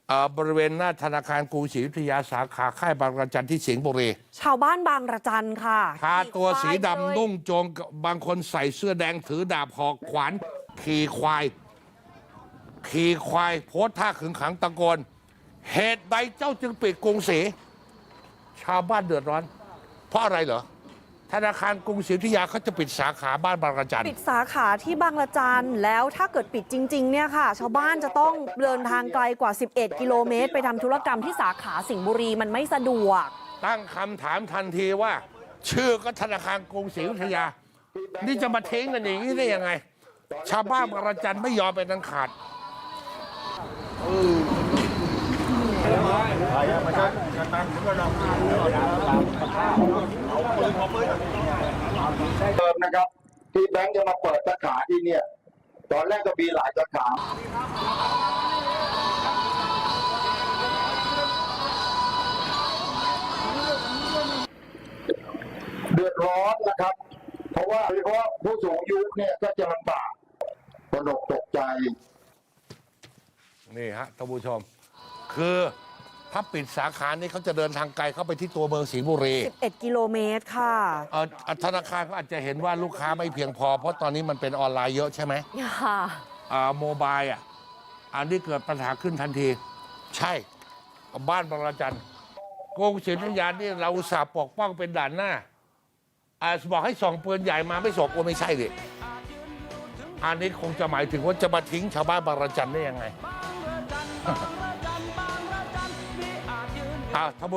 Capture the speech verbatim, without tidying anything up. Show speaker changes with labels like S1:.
S1: เอ่อบริเวณหน้าธนาคารกรุงศรีอยุธยาสาขาค่ายบางระจันที่สิงห์บุรี
S2: ชาวบ้านบางระจันค่ะ
S1: ทาตัวสีดำ
S2: ขี่ควาย
S1: นุ่งโจงบางคนใส่เสื้อแดงถือดาบหอกขวานขี่ควาย ขี่ควายโพสท่าขึงขังตะโกนเหตุใดเจ้าจึงปิดกรุงศรีชาวบ้านเดือดร้อน เพราะอะไรเหรอธนาคารกรุงศรีอยุธยาเขาจะปิดสาขาบ้านบางระจัน
S2: ปิดสาขาที่บางระจันแล้วถ้าเกิดปิดจริงๆเนี่ยค่ะ ชาวบ้านจะต้องเดินทางไกลกว่า สิบเอ็ด กิโลเมตร ไปทำธุรกรรมที่สาขาสิงห์บุรีมันไม่สะดวก
S1: ตั้งคำถามทันทีว่า ชื่อก็ธนาคารกรุงศรีอยุธยา นี่จะมาทิ้งกันอย่างนี้ได้ยังไง ชาวบ้านบางระจันไม่ยอมเป็นอันขาด
S3: เดิมนะครับที่แบงค์จะมาเปิดสาขาที่เนี่ยตอนแรกก็มีหลายสาขาเดือดร้อนนะครับ เพราะว่าโดยเฉพาะผู้สูงอายุเนี่ยก็จะลำบากตระหนกตกใจ
S1: นี่ฮะท่านผู้ชม คือถ้าปิดสาขานี้เขาจะเดินทางไกลเข้าไปที่ตัวเมืองสิงห์บุรี
S2: สิบเอ็ด กิโลเมตรค่ะ
S1: เอ่อธนาคารเขาอาจจะเห็นว่าลูกค้าไม่เพียงพอ เพราะตอนนี้มันเป็นออนไลน์เยอะใช่ไหม
S2: ค่ะ
S1: อ่าโมบายอ่ะอันนี้เกิดปัญหาขึ้นทันที ใช่บ้านบางระจันกรุงศรีอยุธยานี่เราอุตส่าห์ปกป้องเป็นด่านหน้าอ่าบอกให้ส่งปืนใหญ่มาไม่ส่งโอ้ไม่ใช่ดิอันนี้คงจะหมายถึงว่าจะมาทิ้งชาวบ้านบางระจันได้ยังไง อ่า